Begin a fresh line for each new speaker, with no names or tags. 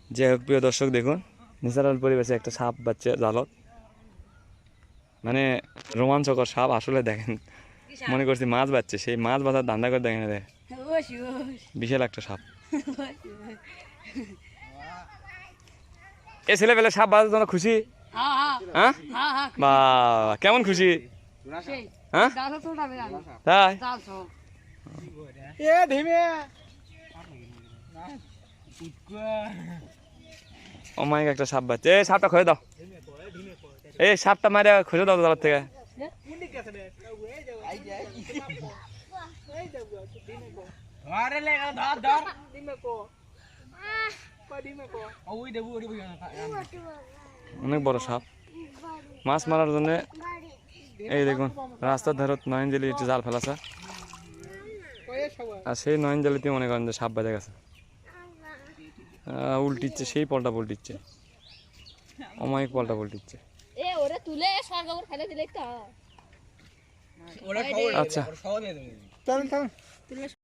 যে হোক প্রিয় দর্শক দেখুন ন্যাচারাল পরিবেশে একটা সাপ বাচ্চা জালত, মানে রোমাঞ্চকর সাপ আসলে। দেখেন মনে করছি মাছ বাচ্ছে, সেই মাছ বাঁধার ধান্দা করে দেখেন, দেখেন বিশাল একটা সাপ। এ ছেলে পেলে সাপ বাঁধার জন্য খুশি? হ্যাঁ বা কেমন খুশি? হ্যাঁ তাই অমায়িক একটা সাপ বাচ্চা। এই সাপটা খুঁজে দাও, এই সাপটা মারে খুঁজে দাও জালের থেকে। অনেক বড় সাপ, মাছ মারার জন্য। এই দেখুন রাস্তার ধারত নয়নজলি জাল ফেলাছে, আর সেই নয়নজলিতে মনে করেন যে সাপ বাজে গেছে, উল্টিচ্ছে, সেই পল্টা পল্টিচ্ছে, অমায়িক পল্টা পল্টিচ্ছে। আচ্ছা